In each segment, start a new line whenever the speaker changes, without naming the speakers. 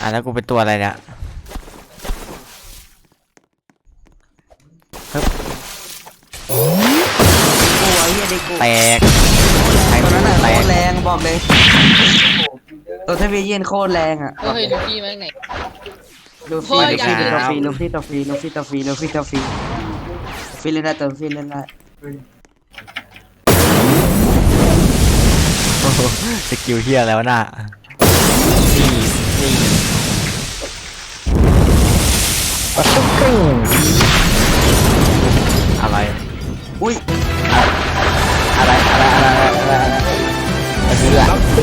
แล้วกูเป็นตัวอะไรเนี่ย
โอ้ยเฮียดิกู
แตก
ตัวนั้นอะโค
แต
ต
ก
รแรงบอกเลยตัวทวีเย็นโคตรแรงอ่ะ
เฮ้ยลูกี้มาจากไหน
ลู
โคตร
ฟี่
อยาก
ลูฟี่ตัวฟรีลูฟี่ตัวฟรีลูฟี่ตัวฟรีลูฟี่เล่นได้ตัวฟรีเล่นได้
โอ้โหสกิลเฮียแล้วน่ะนี่
ปะตุ้งกิ้ง
อะไร
อุ้ย
อะไรเสือ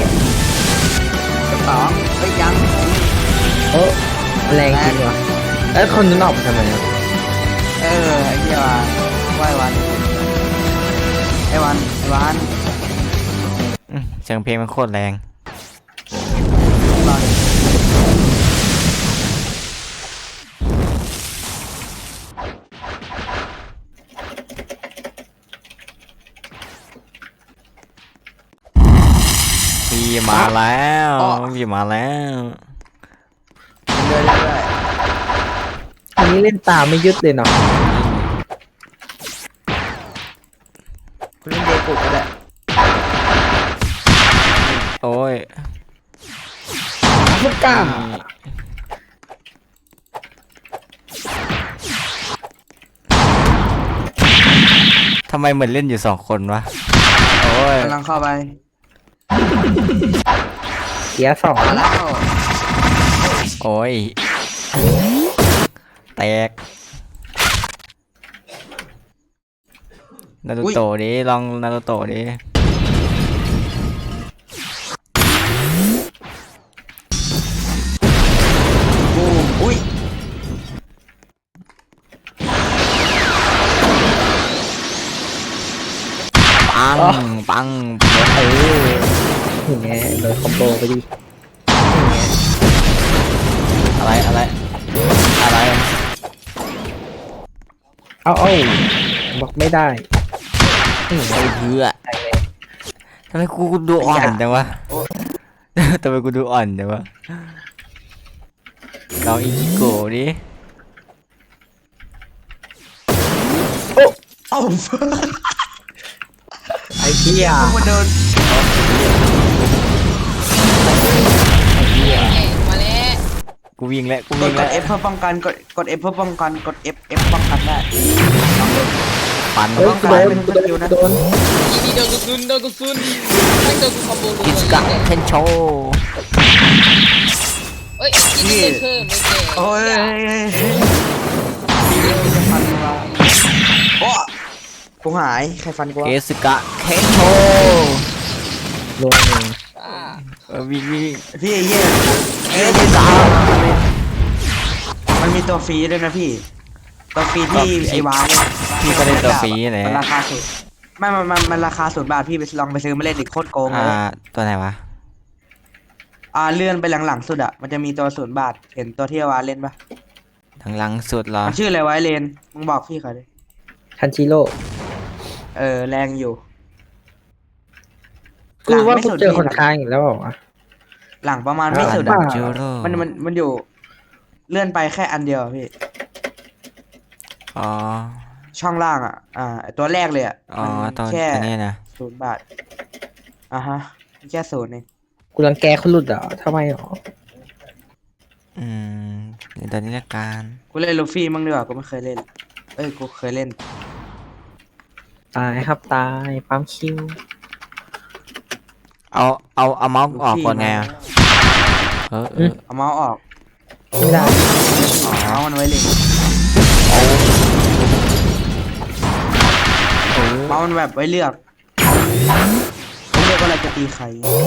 สองเอ้ยยัง
โอ้แรงจริงวะแล้วคนนั้นออกมาทำไมอะ
ไอ้เหี้ยว่ายวันไอ้วัน
เสียงเพลงมันโคตรแรง
รอดิ
พี่มาแล้วพี่มาแล้ว
เรื่อย
อันนี้เล่นตามไม่ยึดเลยเนาะ
คุณเล่นเดกุก็ได้
โอ้ย
ลูกก้า
ทำไมเหมือนเล่นอยู่2 คนวะโอ้ย
กำลังเข้าไป
เสียสอง
มาแล้ว
โอ้ยแตกนารูโตะดิลองนารูโตะดิ
บูมอุ้ย
ปัง
อย่างเงี้ยโดนคอมโบไปดิ
อะไร
เอาบอกไม่ได้
ไอ้เหี้ยทำไมกูดูอ่อนจังวะทำไมกูดูอ่อนจังวะลองอิจิโกะดิ
เอ้า
ไอ้เหี้ย
มาโดน
มาแล้ว
กูวิ่งแล้ว
กด F เพื่อป้องกันกด F เพื่อป้องกันกด F ป้องกันได้
ปัน
เฮ้ยกูโดนกูโดน
อีนี่โดนกุซุนไม่โดนกูคอมโบรัว
กิจกะเทนโช
เอ้ยอีนี่เพิ่มไม่แก่
โอ้ยจะฟันเราโอ้กูหายใครฟันกู
เอสกะเทนโช
รวมหนึ่ง
วิ่ง
พี่เหี้ยมันมีตัวฟรีด้วยนะพี่ตัวฟรีที่ไอวานเนี่ย
พี่ก็ได้ตัวฟรีแหละ
มันราคาสูงมันราคา0 บาทพี่ไปลองไปซื้อมาเล่นดิโคตรโกงเลย
ตัวไหนวะ
เลื่อนไปหลังๆสุดอ่ะมันจะมีตัว0 บาทเห็นตัวที่ไอวานเล่นปะ
ทางหลังสุดเหรอ
มันชื่ออะไรไวะไอ้เลนมึงบอกพี่เขาดิ
ทันจิโร่
แรงอยู่
กูว่ากูเจอคนค้างอีกแล้วเหรอวะ
หลังประมาณไม่สุด
บ้า
อ่ะ
จูโร่
มันอยู่เลื่อนไปแค่อันเดียวอะพี่
อ๋อ
ช่องล่างอ่ะตัวแรกเลยอ่ะ
อ๋อ
มัน
ตัว
แค่
นี้นะ
0 บาทฮะแค่0เอง
กูรังแกคนหลุดเหรอทำไมหรอ
เดี๋ยวตอนนี้ละกัน
กูเล่นลูฟี่มั่งดีกว่ากูไม่เคยเล่นกูเคยเล่น
ตายครับตายปั๊มคิว
เอาเมาส์ออกก่อนไงอะ
เอาเมาส์ออก
ไม่ได้
เมาส์มันไว้เล่นเมาส์มันแบบไว้เลือกเขาเลือกว่าเราจะตีใคร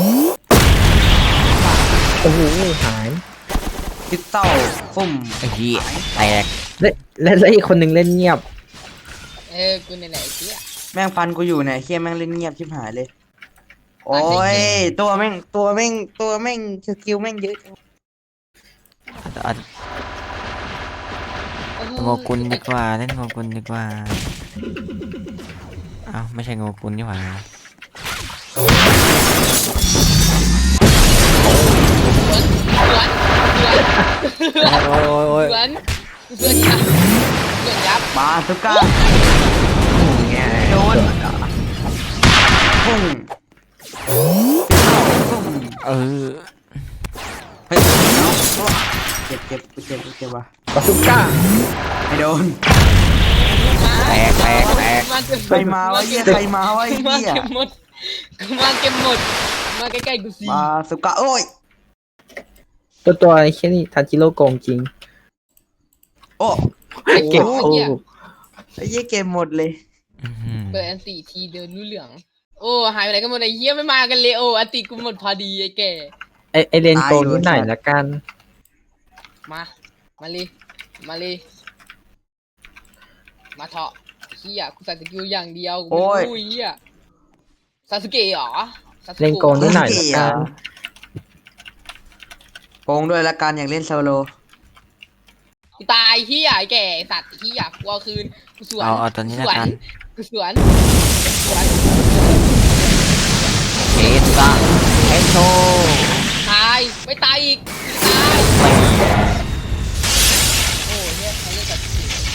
โอ้โหหาย
ทิกเต้าฟุ่ม
ไอ้เหี้ยแตก
แล้วอีกคนหนึ่งเล่นเงียบ
กูไหนๆเจี๊ย
แม่งฟันกูอยู่เนี่ยเฮียแม่งเล่นเงียบชิบหายเลย โอ้ยตัวแม่งสกิลแม่งเยอะ
โงกุลดีกว่าเล่นโงกุลดีกว่าอ้าวไม่ใช่โงกุลนี่หว่า
สวน
โอ้ย
สวนกูสวนยับสวนยับบ
าสุก้า
นี่ไง
โดนพุ่ง
เออ
เฮ้ยเจ็บเจ็บว่ะ
บาสุก้า
ไม่โดน
แตก
มาเก็บ
ใครมาวะเหี้ยใครมาวะไอ้
มา
เหี้ย
เก็บหมดกูมาเก็บหมดมาใกล้ๆกูสิ
บาสุก้าโอ้ย
ตัวไอ้แค่นี้ทาจิโร่โกงจริง
โอ้
เก็บ
โอ้
คู่
ไอ้เหี้ยเกมหมดเลย
เปิดอันตีทีเดินรู้เหลืองโอ้หายไปไหนกันหมดไอ้เหี้ยไม่มากันเลยโอ้อันตีกูหมดพอดีไอ้แก่
ไอเลนโกงนิดหน่อยละกัน
มาเลยมาเถาะเหี้ยกูใส่สกิลอย่างเดียวกูไม่รู้เหี้ยซาสึเกะเหรอ
เลนโกงนิดหน่อยละกัน
โกงด้วยละกันอย่างเล่นโซโล
กูตายเหี้ยไอ้แก่สัตว์เหี้ยกูเอาคืนกูสวน
เอาตอนนี้ละกัน
กูสวน
เอสซ่าเอสโช
ตายไม่ตายอีกตายโอ้เนี่ยเขาเรียกแบบ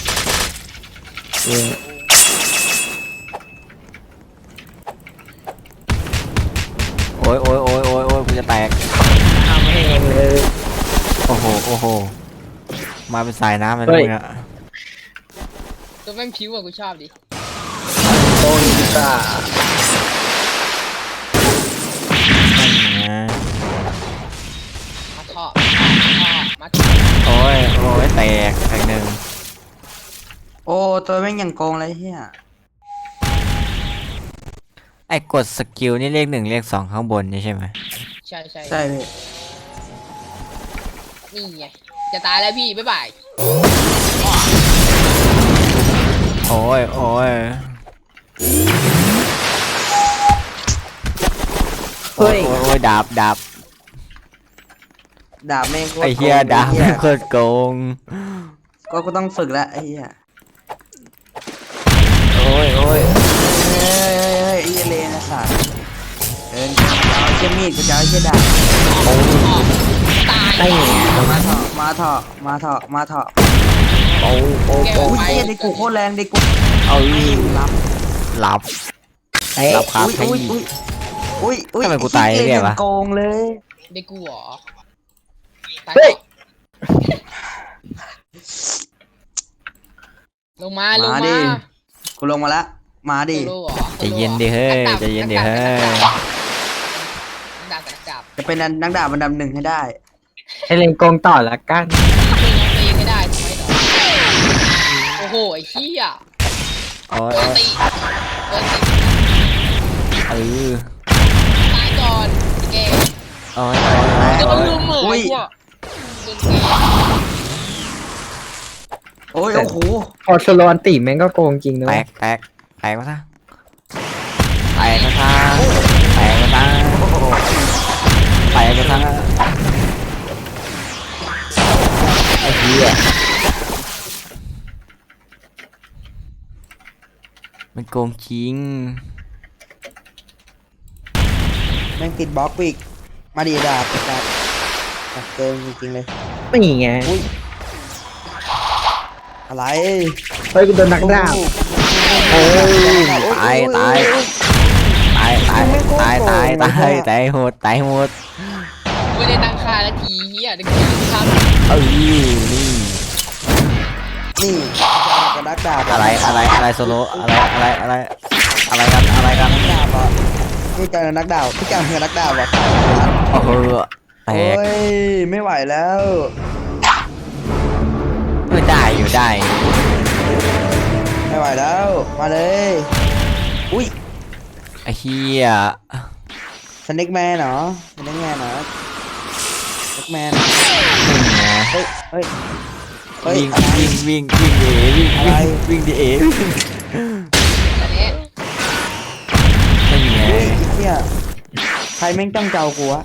โอ้ยกูจะแตก
ทำให้เองเลย
โอ้โหมาเป็นสายน้ำเลย
เฮ้
นะ
ย
มึงอะ
ตัวแม่งผิวอะกูชอบดิ
โกงดีกว่า
มาเถาะมาเถาะ
โอ้ยแตกหนึ่ง
โอ้ตัวแม่งอย่างโกงเลยเหี้ย
ไอ้กดสกิลนี่เลข 1เลข 2ข้างบนนี่ใช่ไหม
ใช่
ใช่พี่
นี่ไงจะตายแล้วพี่บ๊ายบาย
โอ้ย
เฮ้ย
โอ้ยดาบ
ดาบแม่งโคตร
ไอ้เหี้ย
โกง
ดาบ
ไอ้เหี้ย
โคตรโกง
ก็กูต้องฝึกแล้วไอ้เหี้ย
โอ้ย
เฮ้ยไอ้เหี้ยเลนนะสัตว์เดินกูจะเอาเชี่ยมีดกูจะเอาเชี่ยดาบ
ตาย
ไอ้เนี่ย
มาเถอะมาเถอะ
โอ้โอ้
แก
โอ้
อุ้ย
ไป
เหี้ยเด็กกูโคตรแรงเด็กกู
เอา
รับ
หลับ
เอ๊ะ
หลับคา
อุ้ย
ที่
อุ้ย
ทำไมกูตายเนี่ยวะ
โกงเลย
เด็กกูเหรอตาย
เฮ้ย
ลงมา
ดิกูลงมาแล้วมาดิ
โซโล่เหรอ
ใจเย็นดิเฮ้ยใจเย็นดิเฮ้ย
ดาบกับดาบ
จะเป็นนักดาบอันดับหนึ่งให้ได้
ไอเลนโกงต่อละกัน
เป็นยังตีไม่ได้ทำไมหรอโอ้โหไอ้เหี้ย
โอ้ย
โดนตีโดนตี
เออ
ตายก่อนแก
โอ้ย
โดนลุมเหรอ
อุ้ย
พวกโดนแก
โอ้ย
แต่
โอ้โห
พอโซโลอันติแม่งก็โกงจริงนะ
แต
เว้ย
กมาซะแตกมาซะไอ้เหี้ยมันโกงจริง
แม่งติดบล็อกอีกมาดิดาบเกินจริงๆเลย
ไม่ไง
อะไร
เฮ้ยกูโดนนักดาบ
โอ้ยตายหมด
ไม่ได้ตั้งค่าละทีเหี้ยเด็กกูทำ
นี่
นี่กับนักดาบ
อะไรโซโลอะไรกัน
นักดาบอ่ะนี่เจอนักดาบพี่จังกับนักดาบอ่ะ
โอ้โหแต
โอ้
ก
ยไม่ไหวแล้ว
ได้อยู่ได้
ไม่ไหวแล้วมาเลยอุ้ย
ไอ้เหี้ย
สเน็กแมนเหรอสเน็กแมนเหรอสเน็กแมนเฮ้ยเฮ้ยเฮ้ย
วิ่งดิเอ
อันนี้
ไม่ไง
เฮ้ยไอ้เหี้ยใครแม่งจ้องเจ้ากูวะ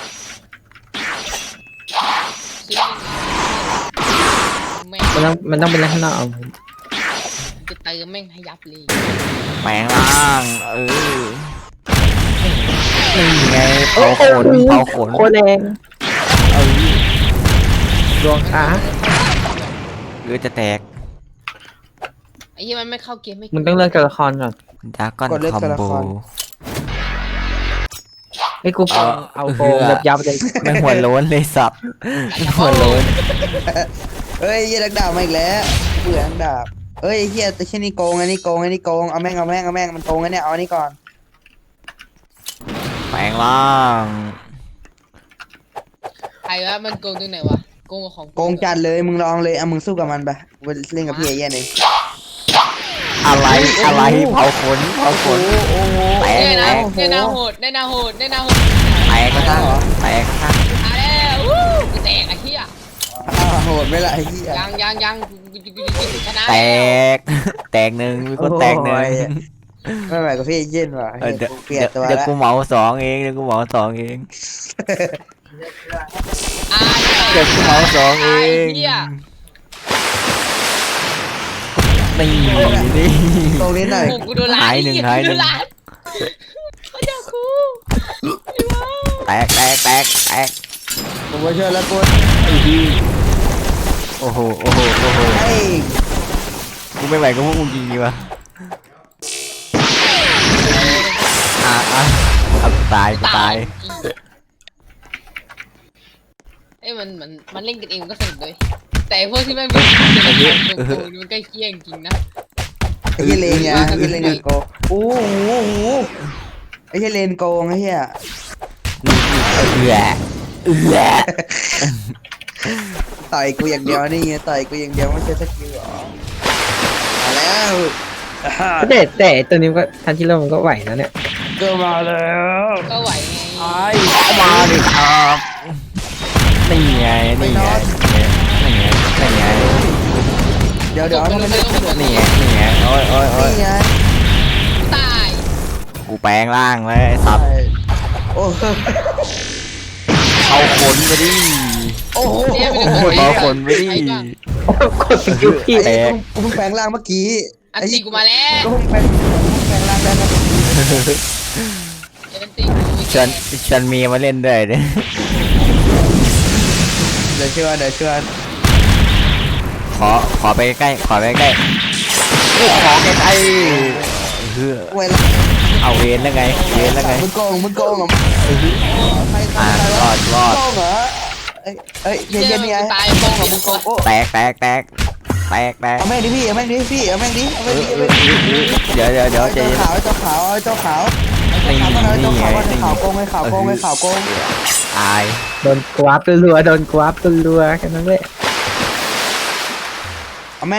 แม่ง
มันต้องเป็นลักษณะเอา
จะเติมแม่งให้ยับเลย
แปลงร่างนี่ไงเผาขน
โคตรแรง
เออ
ดวงขา
ท
จะแตก
ไอ้เหี้ยมันไม่เข้าเกมไม่
มึงต้องเลือกตัวละครก่อน
ดากอน
กดเลือก
คอม
ตัวละ
โบ
คร
ไอ้กูฟังเอาโกงแบบยับเลย
ไม่หัวโล้นเลยสับหัวโล้น
เฮ้ยเฮียดักดาบมาอีกแล้วเบื่อดักดาบเฮ้ยเฮียแต่เช่นนี้โกงอันนี้โกงอันนี้โกงเอาแม่งมันโกงอันเนี้ยเอาอันนี้ก่อน
แปลงร่าง
ใครวะมันโกงตรงไหนวะโกงกับของ
โกงจัดเลยมึงลองเลยเอามึงสู้กับมันไปไปเล่นกับพี่เอเย่นเอง
อะไรเผาขนแตก
ได้
แต
นะ
ก
ได้นาโหดได้นาโหดได้นาโหด
แตกก็ตั้งแตกก็ตั้ง
มาแล้ววู้กูแตกไอ้เหี้ย
โหดไหม่ละไอ้เหี้ย
ยังกูชนะ
แตกแตกหนึ่งมีคนแตกหนึ่ง
ไม่ไหวกับพี่เอเย่นว่ะ
เออ
เปลี่ยนตัว
เดี๋ยว
แล้ว
กูเหมาสองเองเดี๋ยวกูเหมาสองเอง
อ่า
เดี๋ยวกูเหมาสองเอง
เหี้ย
นี่นี่
ตรงนี้หน่อย
โอ้กูโดนล้าน
หายหนึ่ง
เขาอยากกู
แตกแตก
ผมมาช่วยแล้วกู
โอ้โห
เฮ้ย
กูไม่ไหวก็พวกมึงจริงดีวะเอาตาย
เอ้ยมันเล่นกันเองมันก็สนุกเลยแต่พวกที่ไม่เป็นโกงมันใกล้เคียงจริงนะ
ไอ้เหี้ยเลนไงไอ้เหี้ยเลนไงโกงโอ้โหไอ้เหี้ยเลนโกงไอ้เหี้ย
เอือ
ต่อยกูอย่างเดียวนี่ไงต่อยกูอย่างเดียวไม่ใช่สกิลหรอมาแล้ว
แต่ตัวนี้มันก็ทันที่เริ่มมันก็ไหวแล้วเนี่ย
ก็มาแล้ว
ก็ไหวไง
เข้ามาดิครับนี่ไงนี่ไง
เดี๋ยวทำไมไม่
นี่ไงโอ้ย
นี่ไง
ตาย
กูแปลงร่างเลยไอ้สับ
โอ้
เอาขนไปดิ
โอ้โห
เอาขนไปดิ
กดสกิลพี่
ไอ้กูเพิ่งแปลงร่างเมื่อกี้
อันตีกูมาแล้ว
ก็เพิ่งแปลงร่างได้เมื่อกี้
อันตีกู
ชวนเมียมาเล่นด้วยเนี่ย
เดี๋ยวชวน
ขอไปใกล้ขอใกล้เฮือ
เวลา
เอาเวนแล้วไง
มึงโกงเหรอใคร
รอด
โกงเหรอเอ้ยเย็นนี่ไง
ตายโกงกับมึงโกง
โอ้
แตก
เอาแม่งดิพี่เอาแม่งดิ
เดี๋ยวใจ
เจ้า
เย็น
ขาวเจ้าขาวเจ้าขาว
นี่ไง
ข่าวโกงไงข่าวโกง
ตาย
โดนกวาบรัวๆโดนกวาบรัวๆแค่นั้นแหละ